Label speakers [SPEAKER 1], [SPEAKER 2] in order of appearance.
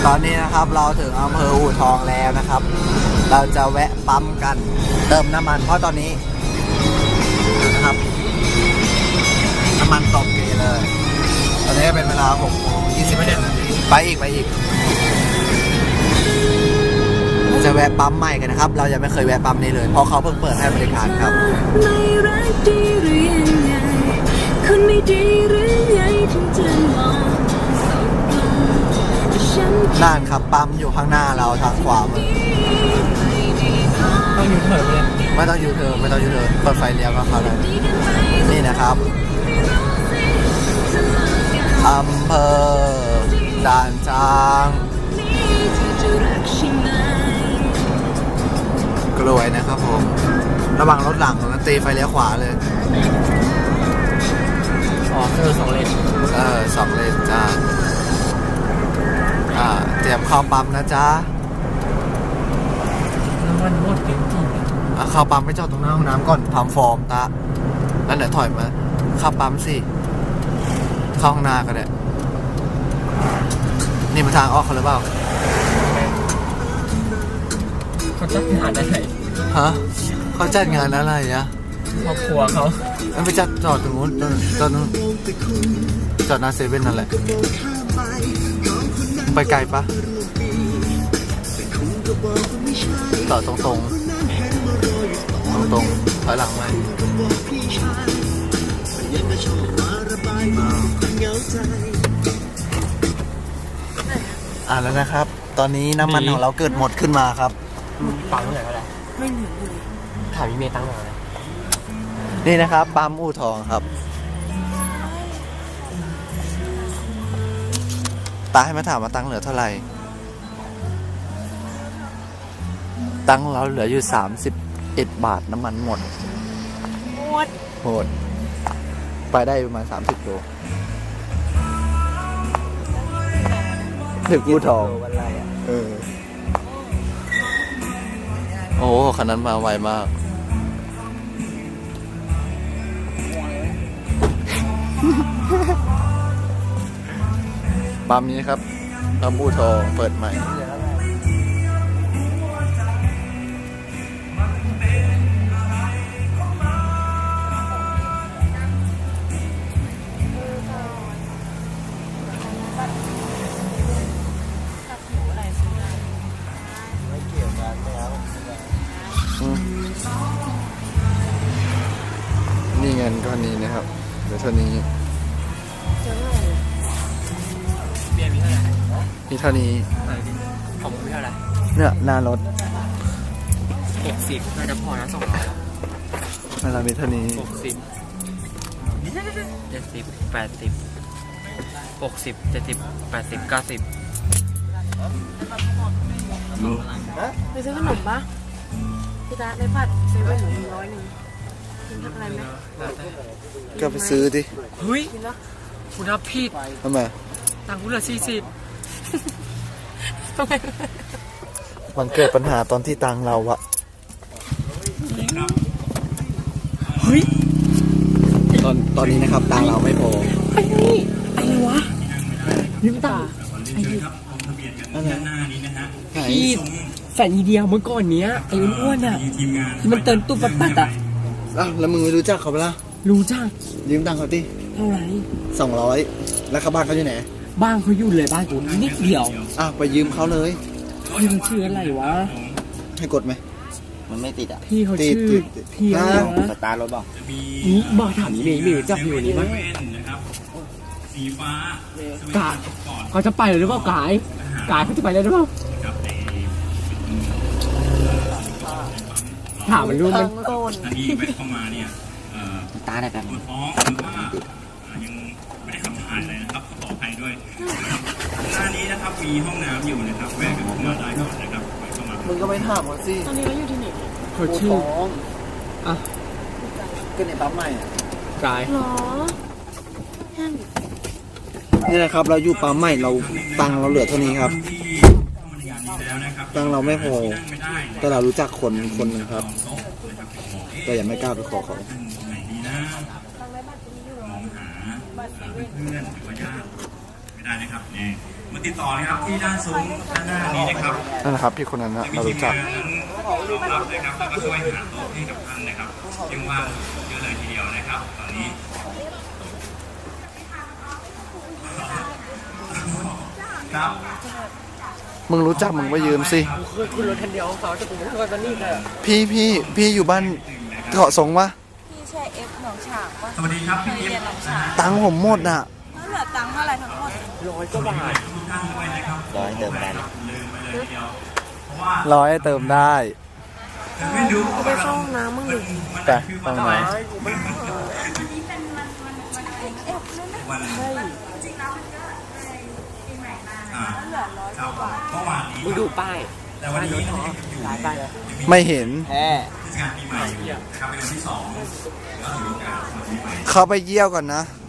[SPEAKER 1] ตอนนี้นะครับเราถึงอำเภออู่ทองแล้วนะครับ เราจะแวะปั๊มกันเติมน้ำมันเพราะตอนนี้นะครับน้ำมันตกเกเลย ตอนนี้เป็นเวลา6:20 นาทีไปอีกเราจะแวะปั๊มใหม่กันนะครับเรายังไม่เคยแวะปั๊มนี้เลยเพราะเขาเพิ่งเปิดให้บริการครับนั่นครับปั๊มอยู่ข้างหน้าเราทางขวามือ
[SPEAKER 2] ต้องยูเทิร์นเลย
[SPEAKER 1] ไม่ต้องยูเทิร์นเปิดไฟเลี้ยวก็เข้าได้นี่นะครับอำเภอด่านช้างกลวยนะครับผมระวังรถหลังแล้วตีไฟเลี้ยวขวาเลย
[SPEAKER 2] คือ2 เลน
[SPEAKER 1] 2 เลนจ้าเตรียมเข้าปั๊มนะจ๊ะ
[SPEAKER 2] น้ำมันหมดจริง
[SPEAKER 1] เข้าปั๊มไปจอดตรงหน้าห้องน้ำก่อนทำฟอร์มตะแล้วเดี๋ยวถอยมาเข้าปั๊มสิเข้าข้างหน้าก็ได้นี่มาทางออกเขาหรือเปล่า
[SPEAKER 2] เขาจัดงานอะไร
[SPEAKER 1] ฮะเขาจัดงานอะไรอะ
[SPEAKER 2] ครอบครัวเขา
[SPEAKER 1] ไปจัดจอดตรงนู้นตอนนู้นจอดหน้าเซเว่นนั่นแหละไปไกลปะต่อตรงถอยหลังไหมแล้วนะครับตอนนี้น้ำมันของเราเกิดหมดขึ้นมาครับ
[SPEAKER 2] ตังค์เท่าไหร่ก็ได้ไม่เหลือเลยถามพี่เมย์ตังค์เท่าไหร่
[SPEAKER 1] นี่นะครับปั๊มอู่ทองครับตาให้มาถามว่าตังค์เหลือเท่าไหร่ตังค์เราเหลืออยู่31 บาทน้ำมันหมดโหดไปได้ประมาณ30 โลถึงอู่ทองโอ้คันนั้นมาไวมากปั๊มนี้ครับปั๊มอู่ทองเปิดใหม่นี่เงินก้อนนี้นะครับเดี๋ยวเท่านี้
[SPEAKER 2] เบียร์มีเท่าไหร่
[SPEAKER 1] มีเท่านี้
[SPEAKER 2] ของมีเท่าไหร่
[SPEAKER 1] เนี่ยหน้ารถ
[SPEAKER 2] 60น่าจะพอนะ200
[SPEAKER 1] เรามีเท่านี้
[SPEAKER 2] 60 70 80 60 70 80 90
[SPEAKER 3] ไปซื้อขนมปะพี่ตาได้ผัดเซเว่นหนู100กินทำอะไรไหม
[SPEAKER 1] ก็ไปซื้อดิ
[SPEAKER 2] เฮ้ยคุณรับผิด
[SPEAKER 1] ทำไม
[SPEAKER 2] ตังค์คุณเหลือ40
[SPEAKER 1] มันเกิดปัญหาตอนที่ตังเราอะ
[SPEAKER 2] เฮ้ย
[SPEAKER 1] ตอนนี้นะครับตังเราไม่พอ
[SPEAKER 3] อะไรวะ
[SPEAKER 2] ยืมตังค์พี่แฟนอีเดียเมื่อก่อนเนี้ยไอ้อ้วนอ่ะมันเติมตู้ปัดอ่ะ
[SPEAKER 1] แล้วมึงไม่รู้จักเขาปะล่ะ
[SPEAKER 2] รู้จัก
[SPEAKER 1] ยืมตังเขาดิ
[SPEAKER 3] เท่าไหร่
[SPEAKER 1] 200แล้วเขาบ้านเขาอยู่ไหน
[SPEAKER 2] บ้านเขาอยู่เลยบ้านกูนิดเดียว
[SPEAKER 1] ไปยืมเขาเลย
[SPEAKER 2] พี่มันชื่ออะไรวะ
[SPEAKER 1] ให้กดไหมมันไม่ติด
[SPEAKER 2] พี่เขาชื่อพี่อะไรวะ
[SPEAKER 1] สตาร์รถบอก
[SPEAKER 2] นี่บอกถามนี่มีจับอยู่นี่มั้ย
[SPEAKER 4] สีฟ้าก
[SPEAKER 2] ายเขาจะไปหรือเปล่ากายเขาจะไปเลยหรือเปล่าถามมันรู้ไหม
[SPEAKER 4] อันนี้แวะเข้ามาเนี่ย
[SPEAKER 1] ตาได้แบบ
[SPEAKER 4] ปวดท้องหรือว่ายังไม่ได้ขับถ่ายเลยนะครับขออภัยด้วยหน้านี้นะครับมีห้องน้ำอยู่นะครับแวะกันเข้ามาได้ก่อนนะครับเข้ามา
[SPEAKER 1] มึงก็ไปถามเขาสิ
[SPEAKER 3] ตอนนี้เราอยู่ที่ไหน
[SPEAKER 2] เขาชื่อ
[SPEAKER 1] ก็ในปั๊มใหม่
[SPEAKER 2] กาย
[SPEAKER 3] หรอ
[SPEAKER 1] นี่แหละครับเราอยู่ปั๊มใหม่เราตังเราเหลือเท่านี้ครับตังเราไม่พอแต่เรารู้จักคนนึงครับแต่ยังไม่กล้าไปขอเขา
[SPEAKER 4] มองหาเพื่อนหรือว่าญาติไม่ได้นะครับเนี่ยมาติดต่อนะครับที่ด้านซุ้มด้านหน้านี้นะครับ
[SPEAKER 1] นั่นนะครับพี่คนนั้นนะ
[SPEAKER 4] มี
[SPEAKER 1] เรา
[SPEAKER 4] ที
[SPEAKER 1] รู้
[SPEAKER 4] ม
[SPEAKER 1] จัก
[SPEAKER 4] งานนั้นรองรับนะครับแล้วก็ช่วยหาโต๊ะให้กับท่านนะครับยังว่างเยอะเลยทีเดียวนะครับ ตอนนี้ครับ
[SPEAKER 1] มึงรู้จักมึงไปยืมสิ
[SPEAKER 2] เคยขึ้นรถคันเดียวเขาจะกูไม่เคยมานี่เลย
[SPEAKER 1] พี่อยู่บ้านเกาะสงวะ
[SPEAKER 5] พี่ใช่เอฟหนองฉางปะ
[SPEAKER 4] สวัสดีครับ
[SPEAKER 5] เค
[SPEAKER 4] พี่
[SPEAKER 5] ย
[SPEAKER 4] เอ
[SPEAKER 5] เรียน
[SPEAKER 4] ฟ
[SPEAKER 5] หนองฉาง
[SPEAKER 1] ตังค์ผมหมดอ่ะ
[SPEAKER 5] แล้วเหลือตังค์เท่าไหร่ทั้งหมด
[SPEAKER 2] 100 กว่าบาท
[SPEAKER 4] ทุกท่านด้วยนะครับ
[SPEAKER 1] ร้อยเติมได้
[SPEAKER 4] ลืมไปเลยทีเดียวเพราะว่า
[SPEAKER 1] ร้อยเติมได้
[SPEAKER 4] ไม่รู้
[SPEAKER 3] ไปเข้าห้องน้ำมึงดิ
[SPEAKER 1] แต่ต้องไหน
[SPEAKER 4] วันครับเมื่อวานนี้
[SPEAKER 2] มึงดูป้าย
[SPEAKER 4] แต่วันนี้เรายังอยู่
[SPEAKER 2] หลายป้ายเลย
[SPEAKER 1] ไม่เห็น
[SPEAKER 2] แฮ่
[SPEAKER 4] เทศกาลปีใหม่อยู่นะครับเป็นวันที่2แล้วถือโอกาสวันปีใหม่
[SPEAKER 1] เขาไปเยี่ยวก่อนนะ
[SPEAKER 4] เ